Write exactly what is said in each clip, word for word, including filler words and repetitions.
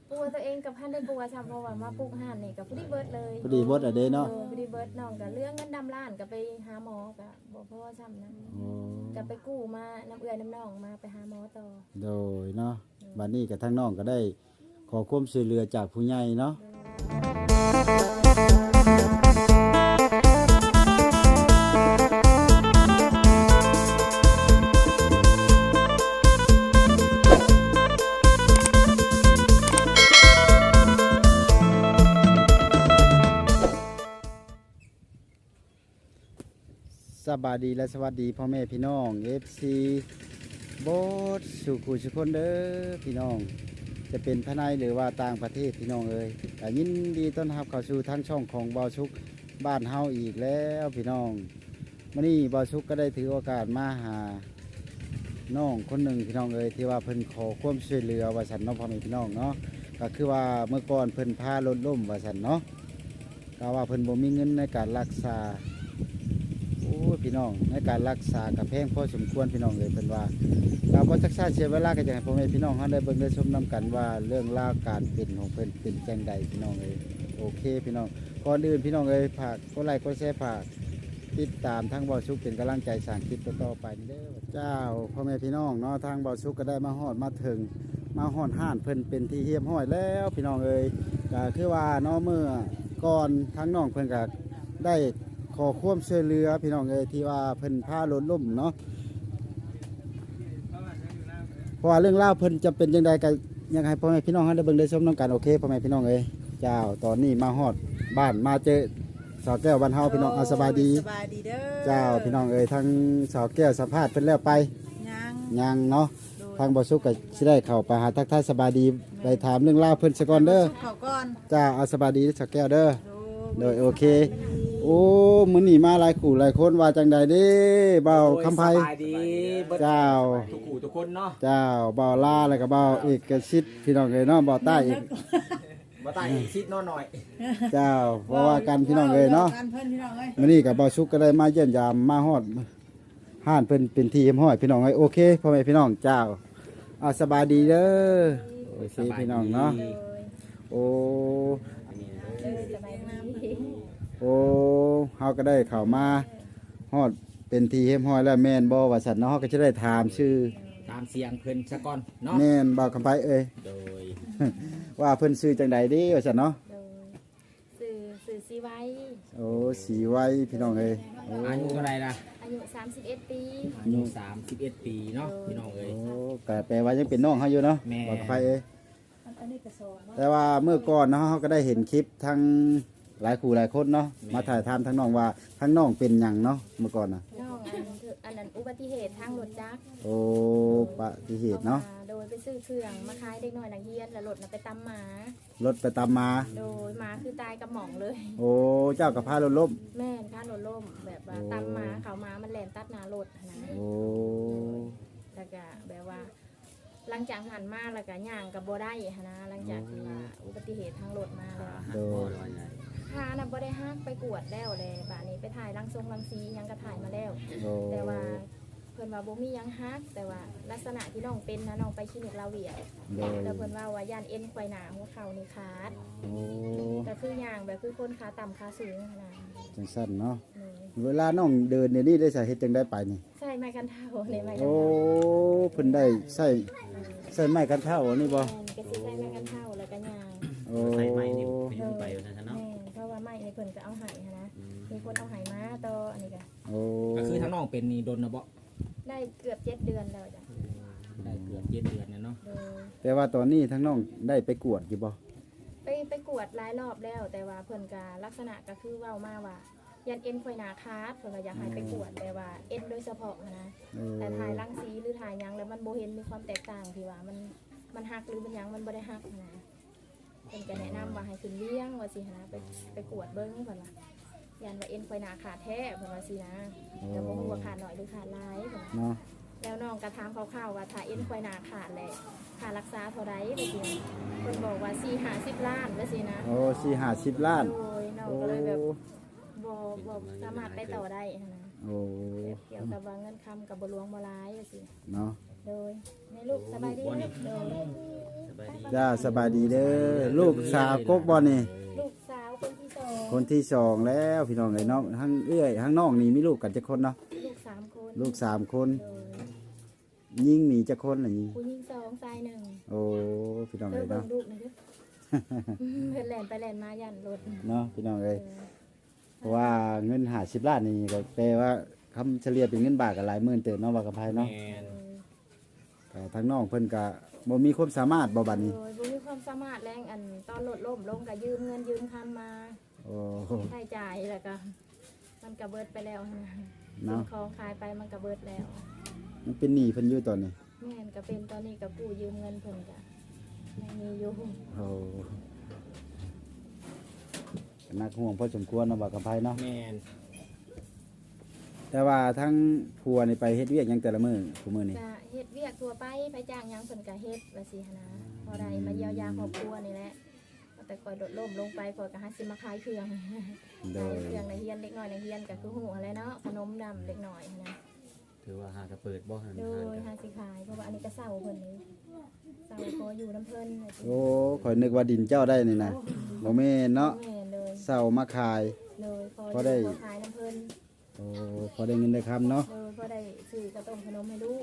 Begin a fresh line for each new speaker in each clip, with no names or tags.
ปัวตัวเองกับพันได้ปัวซ้ำเพราะว่ามาปลูกห่านนี่กับผู้ดีเบิร์ดเลย
พอดีเบิดอะเด้เนาะ
ผู้ดีเบิร์ดน้องกับเรื่องเงินดำล้านกับไปหาหมอกับบ่พอซ้ำนะกับไปกู้มาน้ำเอื้อยน้ำน้องมาไปหาหมอต่อ
โดยเนาะบัดนี้กับทั้งน้องก็ได้ขอความช่วยเหลือจากผู้ใหญ่เนาะสบายดีและสวัสดีพ่อแม่พี่น้อง เอฟ ซี โบสสุขุสุคนเด้อพี่น้องจะเป็นภายในหรือว่าต่างประเทศพี่น้องเอ้ยแต่ยินดีต้อนรับเข้าสู่ทั้งช่องของบอชุกบ้านเฮาอีกแล้วพี่น้องมื้อนี้บอชุกก็ได้ถือโอกาสมาหาน้องคนหนึ่งพี่น้องเอ้ยที่ว่าเพิ่นขอความช่วยเหลือว่าซั่นเนาะพ่อแม่พี่น้องเนาะก็คือว่าเมื่อก่อนเพิ่นพารถล้มว่าซั่นเนาะก็ว่าเพิ่นบ่มีเงินในการรักษาโอ้พี่น้องในการรักษากับแพงพอสมควรพี่น้องเลยเป็นว่าเราพอจักษาเสียเวลากันอย่างพ่อแม่พี่น้องเขาได้เบิ่งได้ชมนำกันว่าเรื่องราวการเป็นของเพิ่นเป็นแจงใดพี่น้องเลยโอเคพี่น้องก่อนอื่นพี่น้องเลยฝากกดไลค์กดแชร์ฝากติดตามทั้งบอชุกเป็นกำลังใจสร้างคลิปต่อๆไปนี่เด้อเจ้าพ่อแม่พี่น้องเนาะทางบอชุกก็ได้มาฮอดมาถึงมาฮอดห้านเพิ่นเป็นที่เฮียมห้อยแล้วพี่น้องเลยก็คือว่าเนาะเมื่อก่อนทั้งน้องเพิ่นก็ได้ขอความช่วยเหลือพี่น้องเอ้ยที่ว่าเพิ่นพารถล้มเนาะเพราะว่าเรื่องเล่าเพิ่นจะเป็นยังไงกันยังไงพ่อแม่พี่น้องให้ได้เบิ่งได้ชมน้ำกันโอเคพ่อแม่พี่น้องเอ้ยเจ้าตอนนี้มาฮอดบ้านมาเจอสาวแก้วบ้านเฮาพี่น้องเอาสบายดี
สบายดีเด้อ
เจ้าพี่น้องเอ้ยทั้งสาวแก้วสัมภาษณ์เพิ่นแล้วไป
ยัง
ยังเนาะทางบ่สุกก็สิได้เข้าไปหาทักทายสบายดีไปถามเรื่องเล่าเพิ่นซะก่อนเด้อ
เข้าก่อน
เจ้าเอาสบายดีสาวแก้วเด้อโดยโอเคโอ้มื้อนี้มาหลายคู่หลายคนว่าจังใดเด้เบาคำไผเจ้า
ทุกคู่ทุกคนเนาะ
เจ้าเบาล่าแล้วก็เบาเอกสิทธิ์พี่น้องเอ้ยเนาะเบาใต้อีก
บ่ใต้อีกซิดน้อย
เจ้าเพราะว่ากันพี่น้องเอ้ยเนาะมื้อนี้ก็เบาชุกก็ได้มาเยี่ยมยามมาฮอดห้านเพิ่นเป็นที่เฮียมห้อยพี่น้องเอ้ยโอเคพ่อแม่พี่น้องเจ้าเอาสบายดีเด้อโอเคพี่น้องเนาะโอ้โอ้เฮาก็ได้เข้ามาฮอดเป็นทีเฮมห้อยแล้วแม่นบ่ว่าซั่นเนาะเฮาก็จะได้ถามชื่อ
ตามเสียงเพิ่นซะก่อนเนาะ
แม่นบ่คำไผเอ้ย
โดย
ว่าเพิ่นชื่อจังใดเด้ว่าซั่นเนาะ
สื่อสื่อสีไว้
โอ้สีไว้พี่น้องเอ้ย
อายุเท่าไหร่ล่ะ
อายุสามสิบเอ็ดปี
อายุสามสิบเอ็ดปีเนาะพี่น้องเอ้ย
โอ้ก็แปลว่ายังเป็นน้องเฮาอยู่เนาะบ่คำไผเอ้ยแต่ว่าเมื่อก่อนเนาะเฮาก็ได้เห็นคลิปทั้งหลายคู่หลายคนเนาะมาถ่ายทำทั้งน้องว่าทั้งน้องเป็นหยังเนาะเมื่อก่อนนะ
น้องอันคืออันนั้นอุบัติเหตุทางรถจักร
โอ้ปฏิเหตุเนาะ
โดยไปซื้อเครื่องมาขายเด็กน้อยนักเรียนแล้วรถน่ะไปตำหมาร
ถไปตามมา
โดยหมาคือตายกับหม่องเลย
โอ้เจ้ากับพารถล้ม
แม่นพารถล้มแบบว่าตำหมาเขามามันแล่นตัดหน้ารถนะ
โอ้
แล้วก็แบบว่าหลังจากหันมาแล้วก็ย่างกับบ่ได้นะหลังจากที่ว่าอุบัติเหตุทางรถมาแล้ว
โดย
พาน่ะบ่ได้ฮักไปกวดแล้วเลยบาดนี้ไปถ่ายรังทรงรังสียังก็ถ่ายมาแล้วแต่ว่าเพิ่นว่าบ่มียังฮักแต่ว่าลักษณะที่น้องเป็นนะน้องไปคลินิกลาเวียแล้วเพิ่นว่าว่าย่านเอ็นควายหน้าหัวเข่านี่ขาดก็คือย่างแบบคือคนขาต่ำขาสูงนะ
จังซั่นเนาะเวลาน้องเดินเนี่ยนี่ได้ใส่เฮ็ดจังได้ไปนี่
ใช่ไม้กันเท้านี่ไม้กัน
เท้าโอ้เพิ่นได้ใส่ใส่ไม้กันเท้านี่บ่
ก็สิใส่ไม้กันเท้าแล้วก็ย่าง
โอ้
ใส่ไม้นี่พยุงไปว่าซั่นเนาะ
เพราะว่าไม้นี่เพิ่นก็เอาให้นะมีคนเอาให้มาต่ออันนี้ก็
โอ้
ก็คือทั้งน้องเป็นนี่โดนนะบ่
ได้เกือบเจ็ดเดือนแล้วจ้ะ
ได้เกือบเจ็ดเดือนแล้วเนาะ
แต่ว่าตอนนี้ทั้งน้องได้ไปกวดอยู่บ่
ไปไปกวดหลายรอบแล้วแต่ว่าเพิ่นก็ลักษณะก็คือเว้ามาว่ายันเอ็นควายหน้าขาดเพิ่นก็อยากให้ไปกวดแต่ว่าเอ็นโดยเฉพาะนะแต่ถ่ายรังสีหรือถ่ายหยังแล้วมันบ่เห็นมีความแตกต่างที่ว่ามันมันหักหรือมันหยังมันบ่ได้หักนะเพิ่นก็แนะนำว่าให้ขึ้นเลี้ยงว่าสินะไปไปกวดเบิ่งเพิ่นว่ายันว่าเอ็นควายหน้าขาดแท้เพิ่นว่าสินะแต่บ่ฮู้ว่าขาดน้อยหรือขาดหลายเพิ่นเนาะแล้วน้องก็ถามคร่าวๆว่าถ้าเอ็นควายหน้าขาดแหละค่ารักษาเท่าใดว่าสิเพิ่นบอกว่าสี่ห้าสิบล้านว่าสินะ
โอ้สี่ห้าสิบล้าน
โอ้ยน้องก็เลยแบบบ่บ่สามารถไปต่อได้นะ
โอ้
เกี่ยวกับว่าเงินคำกับบ่หลวงบ่หลายว่าสิ
เนาะ
โดยในลูกสบายดีนะโดย
สบายดี
จ้าสบายดีเด้อลูกสาวกกบ่นี่
ลูกสาวคนที่สอง
คนที่สองแล้วพี่น้องเอ้ยเนาะทั้งเอื้อยทั้งน้องนี่มีลูกกันจักคนเนาะ
ลูกสามคน
ลูกสามคน
โดย
ยิงมีจักคนล่ะยิง
ผู้หญิงสองชายหนึ่ง
โอ้พี่น้อง
เออ
เอ้ย
เบิ่
เนาะ
งลูกหน่อยเด้อเพิ่นแล่นไปแล่นมายันรถ
เนาะพี่น้องเอ้ย
เออ
เพราะว่าเงินห้าสิบล้านนี่ก็แปลว่าคำเฉลี่ยเป็นเงินบาทก็หลายหมื่นเติบเนาะว่ากับไผเนาะ
แม่น
ก็ทั้งน้องเพิ่นก็บ่มีความสามารถบ่บัดนี้
โดยบ่มีความสามารถแรงอันตอนรถล้มลงก็ยืมเงินยืมคำมา
โอ้
ใช้จ่ายแล้วก็มันก็เบิดไปแล้วนะ
เนาะ
สิ่งของขายไปมันก็เบิดแล้ว
มันเป็นหนี้เพิ่นอยู่ตอนนี้
แม่นก็เป็นตอนนี้ก็กู้ยืมเงินเพิ่นก็ยังมีอยู่
โอ้ก็น่าห่วงพอสมควรเนาะว่ากับไผเนาะ
แม่น
แต่ว่าทั้งผัวนี่ไปเฮ็ดเวียกหยังแต่ละมื้อผู้มื้อนี่
ก็เฮ็ดเวียกทั่วไปไปจ้างหยังเพิ่นก็เฮ็ดว่าสิหั้นนะพอได้มาเยียวยาครอบครัวนี่แหละแต่คอยโดดล่มลงไปคอยก็หาสิมาขายเครื่อง
โด
ขาย
ย
เครื่องในเฮียนเล็กน้อยในเฮียนก็คือหูอะไรเนาะขนมดำเล็กน้อยนะ
ถือว่าหากระเปิดบ่หัน
โด
หัน
ย
กัน
หาสิขายเพราะว่าอันนี้ก็เศร้าเพิ่นเลยเศร้าพออยู่น้ำเพิ่นว่าสิ
โอ้ข่อยนึกว่าดินเจ้าได้นี่นะบ่แม่นเนาะ
แม่นเลย
เศร้ามาขาย
เลยพอ
พอได้
พอขายน้ำเพิ่น
โอ้พอได้เงินได้คำเนาะ
เลยพอได้ซื้อกระต้มขนมให้ลูก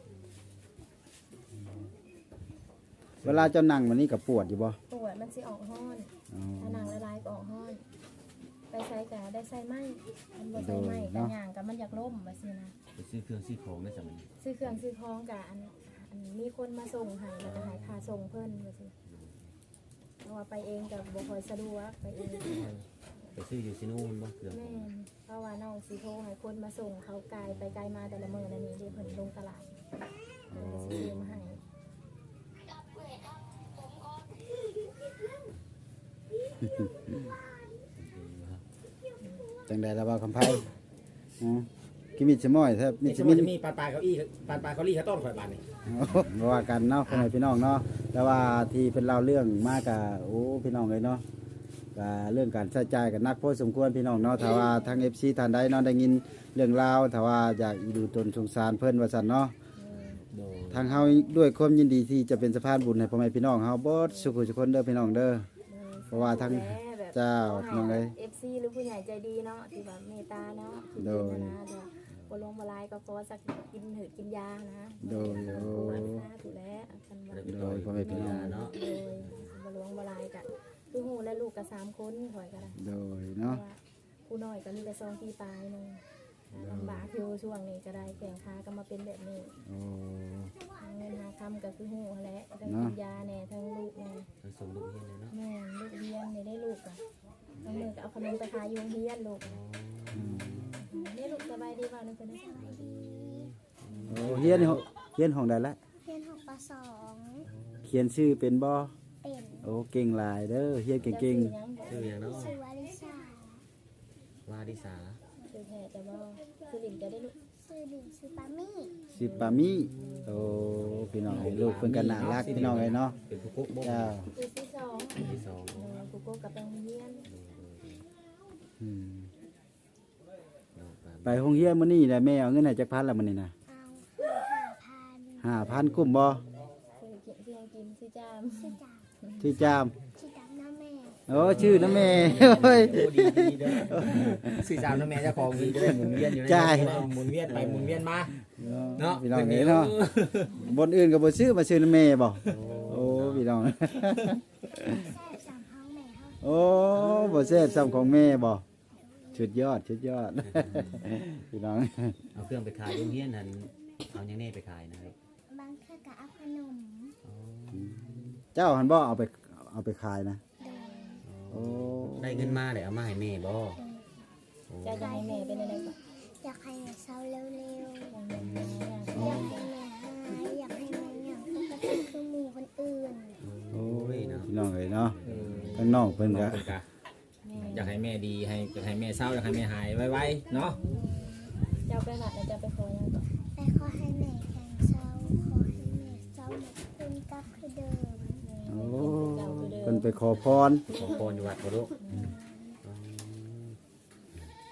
เวลาเจ้านั่งวันนี้ก็ปวดอยู่บ่
ปวดมันสิออกห้อน
อ๋อ
ถ้าหนังละลายก็ออกห้อน ไปใส่กะได้ใส่ไหมมันบ่ใส่ไหมกะย่างกะมันอยากล่มว่าสินะ
ไปซื้อเครื่องซื้อของได้สมัยนี้
ซื้อเครื่องซื้อของกะอันอันมีคนมาส่งให้แล้วก็ให้ค่าส่งเพิ่นว่าสิเพราะว่าไปเองก็บ่ค่อยสะดวกไปเอง
ไปซื้ออยู่ซิโน่นบ่เครื่อง
แม่นเพราะว่าน้องสิโทรให้คนมาส่งเขาไกลไปไกลมาแต่ละมื้อนั่นนี่เดี๋ยวเพิ่นลงตลาดเพิ่นก็สิซื้อมาให้
จังได๋ล่ะบ่คำไผอ๋อกิมิดสมอยแทบมิ
นี่
ด
จะ
มิ
มี
น
จะมีปลาปลาเก้าอี้ปลาปลาเก้าอี้ข้าวต้มข่อยบานนี่
บ่ว่ากันเนาะพ่อแม่พี่น้องเนาะแต่ว่าที่เพิ่นเล่าเรื่องมากะโอ้พี่น้องเอ้ยเนาะก็เรื่องการใช้จ่ายก็หนักพอสมควรพี่น้องเนาะถ้าว่าทาง เอฟ ซี ท่านใดเนาะได้ยินเรื่องราวถ้าว่าอยากดูตนสงสารเพิ่นว่าซั่นเนาะ
โดย
ทางเฮาด้วยความยินดีที่จะเป็นสะพานบุญให้พ่อแม่พี่น้องเฮาเบิดสุขทุกคนเด้อพี่น้องเด้อ เพราะว่าทั้งเจ้าน้องเอ้ย
เอฟซีหรือผู้ใหญ่ใจดีเนาะที่แบบเมตตาเนาะที่
โด
เป็น
ย
นะเดี๋ยวบ่ลงบ่ลายก็ขอสักกินหืดกินยานะ
โดยโอ้
ปวดซาถูกแล้วกันว่า
โดยพ่อแม่พี่น้อง
เนาะ
โดยบ่ลงบ่ลายกะคือหูและลูกก็สามคนข่อยก็ได้
โดย
เพราะ
เนาะ
ว่าผู้น้อยก็มีแต่สองปีปลายหนึงลำบากอยู่ช่วงนี้ก็ได้แข่งขาก็มาเป็นแบบนี้
โอ้
หาเงินหาคำก็คือหูแหละทั้ง
เนาะ
กินยาแน่ทั้งลูกแน่
ทั้งส่งลูกเฮียนเลยเนาะ
แม่ลูกเฮียนนี่ได้ลูกอ่ะทั้งมือก็เอาขนมไปขายอยูโรงเฮียนลูก
อืม
นี่ลูกสบายดีเปล่านี่เป็นสบายดี
โอ้เฮียนนี่เฮียนห้องใดละ
เรียนหกปสอง
เขียนชื่อเป็นบ่
เป็น
โอ้เก่งหลายเด้อเฮียนเก่ง
ชื่อหยัง
ชื่ออย่างเนาะ
สุวาริสาว
าดิสา
ชื่อแท้จะบ่คือหลิงจะได้ลูก
ชื่อดิงชื่อปามี่
ๆชื่อปามิโอ้พี่น้องเอ้ยลูกเพิ่นก็น่ารักพี่น้องเอ้ยเนาะ
เป็นผู้กุ๊กบ่
เจ้า
คือที่สอง
ที่สอง
เออกูโก้กับแปงเฮียน
อืม
โดยโดย
ไปโรงเรียนมื้อนี้แหละแม่เอาเงินให้จักพันละมื้อนี้นะ
เอาห้าพัน
ห้าพันกุ่มบ่
คือกินเสียงกินสิจาม
ชื่อจ่า
ที่จาม
ชื่อจ่าน้าแม่
โอ้ชื่อนะแม่โอ้ย
โอ้ดีดีเด้อสื่อสารนะแม่เจ้าของดีจะได้หมุนเวียนอยู่ใน
ใช่
หมุนเวียนไปหมุนเวียนมาเนาะ
พี่น้องเอ้ยเนาะบนอื่นก็บ่ซื้อมาซื้อนะแม่บ่โอ้พี่น้อง
แซ่บสามห้องแม่ห้อง
โอ้บ่แซ่บซ้ำของแม่บ่ชุดยอดชุดยอด พี่น้อง
เอาเครื่องไปขายโรงเรียนนั่นเอาอย่างแน่ไปขายนะครับ
บางเทื่อก็เอาขนม
เจ้าหันบ่เอาไปเอาไปขายนะ
โดย
โอ้
ได้เงินมาเลยเอามาให้แม่บ่
ใจจะให้แม่เป็นอะไรก่อน
อยากให้แม่เศร้าเร็ว
อย่างเงี้ยอย่าง
ๆ
เงี้
อย ยากให้แม่หายอยากให้แม่อย่างปกติคือหมู่คนอื่น
โอ้
ยเนาะ
พี่น้องเอ้ยเนาะ
เออ
ข้างนอกเพิ่นก็
เพิ่นก็
แม่
อยากให้แม่ดีให้อยากให้แม่เศร้าอยากให้แม่หายไวๆเนาะ
เจ้าไปหลัดแล้วเจ้าไปขอยังก่อน
แต่ขอให้แม่แข็งเศร้าขอให้แม่เศร้าเหมือนเป็นกับคือเดิม
โอ้
เจ้าคือเดิ
เพิ่น
ม
ไปขอพร
ขอพรอยู่วัดบ่ลูก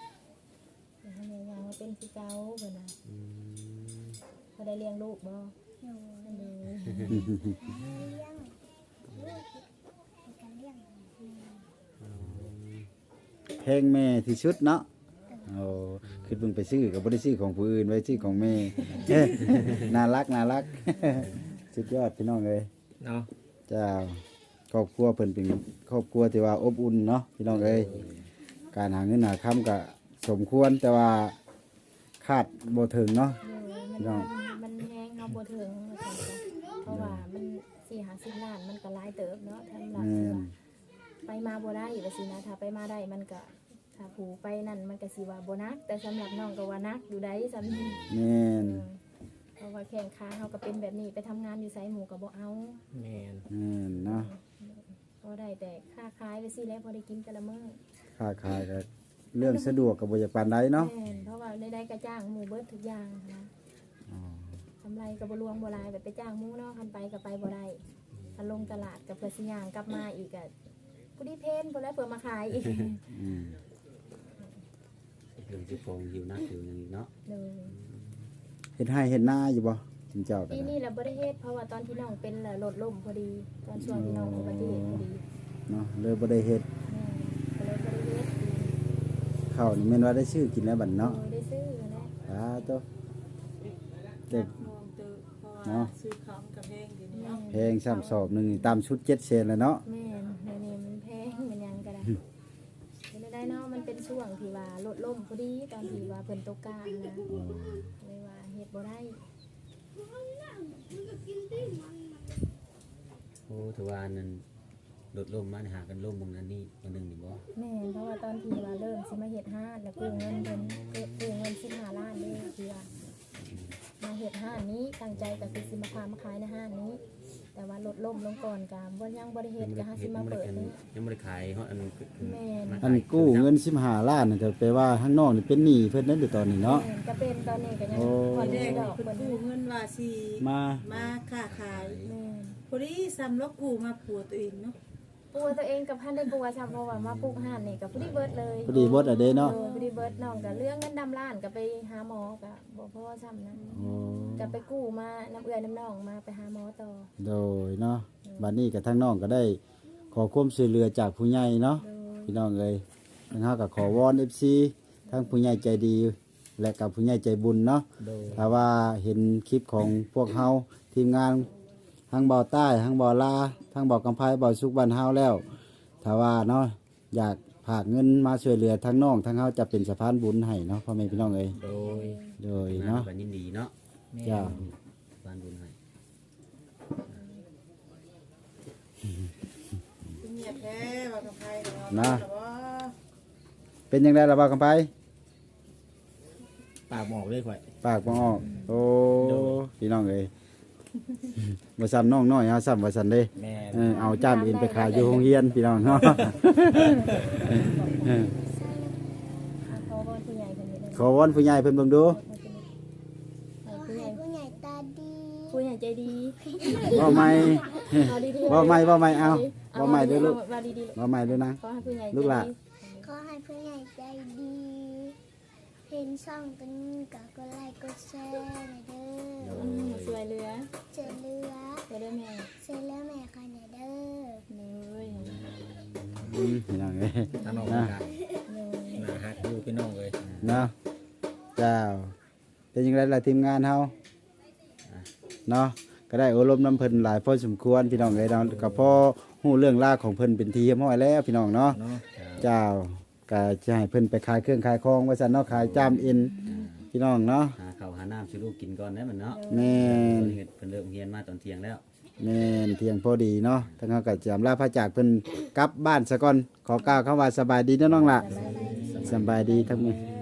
อยากให้แม่ยังมาเป็นคือเก่าเพิ่นน่ะ
อืม
เขาได้เลี้ยงลูกบ่
หนู
อันนี้
เลี้ยงลูกในการเลี้ยง
เพลงแม่ที่สุดเนาะโอ้คือเพิ่งไปซื้อก็บ่ได้ซื้อของผู้อื่นไว้ซื้อของแม่ เอ้ยน่ารักน่ารัก สุดยอดพี่น้องเอ้ย
เนาะ
เจ้าครอบครัวเพิ่นเป็นครอบครัวที่ว่าอบอุ่นเนาะพี่น้องเอ้ยการหาเงินหาค่ำก็สมควรแต่ว่าคาดบ่ถึงเนาะ
มันมันมันแห้งเฮาบ่ถึงว่าซั่นจ้ะเพราะว่ามันสี่ห้าสิบล้านมันก็หลายเติบเนาะทำหลัก
แม่
สิว่าน ไปมาบ่ได้ว่าสินะถ้าไปมาได้มันก็ถ้าผู้ไปนั่นมันก็สิว่าบ่นัก แต่สำหรับน้องก็ว่านักอยู่ได้สำนี้
แม่น
เพราะว่าแข่งขาเฮาก็เป็นแบบนี้ไปทำงานอยู่ไสหมู่ก็บ่เอา
แม่น
แม่นเนาะ
พอได้แต่ค่าขายไปสิแล้วพอได้กินแต่ละมื้อ
ค้าขายก็เรื่องสะดวกก็บ่อยากปานใดเนาะ
แม่นเพราะว่าได้ๆก็จ้างหมู่เบิดทุกอย่างนะ
อ๋อก
ำไรก็บ่รวมบ่หลายแบบไปจ้างหมู่เนาะคันไปก็ไปบ่ได้คันลงตลาดก็เพื่อสิย่างกลับมาอีกก็ผู้ดีเพนผู้แล้วเพื่อมาขายอีก
อืม
เรื่องสิฟองหิวนักอยู่นี่เนาะ
เลย
เฮ็ดให้เฮ็ดหน้าอยู่บ่จริงเจ้าก็
ปี
ได้
นี้เราบ่ได้เฮ็ดเพราะว่าตอนที่น้องเป็นน่ะรถล่มพอดี ตอนช่วงที่น้องอุบัติเหตุพอดี
เนาะเลยบ่ได้เฮ็ด
แม่ก็เลยบ่ได้เฮ็ด
ข้าวนี่แม่นว่าได้ชื่อกินแล้วบัดเนาะ
โดยได้ซื้อนั่นแหละ
สาธุเด็ก
มองเตอเพราะ
เนาะ
ว่าซื้อของกับเพลงอยู่นี่
แม่
เนาะ
แพงซ้ำสอบหนึงนี่ตามชุดเจ็ดเซนแล้วเนาะ
แม่นเดี๋ยวนี้มันแพงมันหยังก็ได้เป็นได้เนาะมันเป็นช่วงที่ว่ารถล่มพอดีตอนที่ว่าเพิ่นตกกลางนะ
อ๋อ
เลยว่าเฮ็ดบ่ได้
โอ้ถือว่านั่นลดลมมาหากันลมบางนั้นนี่บางนึงนี่บ่
แม่นเพราะว่าตอนที่ว่าเริ่มสิมาเฮ็ดห้านแล้วกู้เงินเพิ่นกู้เงินสิบห้าล้านเลยคือว่ามาเฮ็ดห้านนี้ตั้งใจก็คือสิมาพามาขายในห้านนี้ แต่ว่าลดล่มลงก่อนก็บ่ยังบ่ได้เฮ็ดก็หาสิมาเปิดนี่
ยังบ่ได้ขายเฮาอัน
แม่น
อันกู้เงินสิบห้าล้านนี่แต่แปลว่าข้างนอกนี่เป็นหนี้เพิ่นนั่นอยู่ตอนนี้เนาะ
แม่นก็เป็นตอนนี้ก็ยัง
โอ้
ผ่อน
เด็
ได้
ก
ดอก
เพิ่น
เพิ่น
กู้เงินว่าสิ
มา
มาค้าขาย
แม่น
พอดีซ้ำแล้วกู้มาปัวตัวเองเนาะ
ปัวตัวเองกับพันได้ปัวซ้ำเพราะว่ามาปลูกห้านนี่ก็พอดีเบิดเลย
พอดีเบิดอะเด้เนาะ
ออพอดีเบิดน้องก็เรื่องเงินดำล้านก็ไปหาหมอก็บ่พอซ้ำนะ
โอ้
ก็ไปกู้มาน้ำเอื้อยน้ำน้องมาไปหาหมอต่อ
โดยเนาะบัดนี้กับทั้งน้องก็ได้ขอความช่วยเหลือจากผู้ใหญ่เนาะ
โดย
พี่น้องเอ้ยทางเฮาก็ขอวอน เอฟ ซี ทั้งผู้ใหญ่ใจดี และกับผู้ใหญ่ใจบุญเนาะ
โดย
ถ้าว่าเห็นคลิปของพวกเฮาทีมงานทั้งเบาใต้ทั้งเบาลาทั้งเบากำไพเบาสุกบ้านเฮาแล้วถ้าว่าเนาะอยากฝากเงินมาช่วยเหลือทั้งน้องทั้งเฮาจะเป็นสะพานบุญให้เนาะพ่อแม่พี่น้องเอ้ย
โดย
โดย
เนาะ
เนาะ
ก็ยินดีเนาะ
แม่
เจ้า
บ้านบุญให้
เงียบแท้ว่ากับใครเนาะ
นะ
แต่ว่า
เป็นยังไงล่ะเบากำไพ
ปากหมอกเลยข่อย
ปากบ่ออกโอ้
โดย
พี่น้องเอ้ยบ่ซ้ำน้องน้อยเฮาซ้ำว่าซั่นเด้
แม่
เออเอาจ้ามอินไปขายอยู่โรงเรียนพี่น้องเนาะ เออ
อ่ะขอวอนผู้ใหญ่คนนี้เลย
ขอวอนผู้ใหญ่เพิ่นเบิ่งดู
ขอ
ผู้ให
ให้
ญ่
ผู้ใหญ่ตาดี
ผู้ใหญ่ใจดี
เว้าใหม่
เอาดีๆ
เว้าใหม่เว้าใหม่เอาเว้าใหม่เด้อลูก
เอาดีๆ
เว้าใหม่ด้วยนะ
ขอให้ผู้ใหญ่ใจ
ลูกหลาน
ดี
ขอให้ผู้ใหญ่ใจดีเห็นช่องกันก็กดไลค์กดแชร์หน่อยเด้อ
อืมสวยเรือ
เจอเรือ
สวยเรือแม่
เซเลอร์แม่ค่ะหน่อยเด้อ
เลย
อืมพี่น้องเอ้ย
ทั้งน้อง
นะ
กัน
เลย
น่าฮักอยู่พี่น้องเลย
เนาะเจ้าเป็นยังไงล่ะทีมงานเฮาเนาะก็ได้อบรมน้ำเพิ่นหลายพอสมควรพี่น้องเอ้ยเนาะก็พอฮู้เรื่องราวของเพิ่นเป็นทีเรียบร้อยแล้วพี่น้องเนาะ
เนาะ
เจ้าก็จะให้เพิ่นไปขายเครื่องขายของว่าซั่นเนาะขายจามเอ็นพี่น้องเนาะ
หาข้าวหาน้ำสิลูกกินก่อนได้มันเนาะ
แม่น
เพิ่นเฮ็ดเพิ่นเลิกเรียนมาตอนเที่ยงแล้ว
แม่นเที่ยงพอดีเนาะทั้งเฮาก็จะอำลาพระจากเพิ่นกลับบ้านซะก่อนขอกล่าวคำว่าสบายดีเด้อน้องล่ะสบายดีทั้งหมด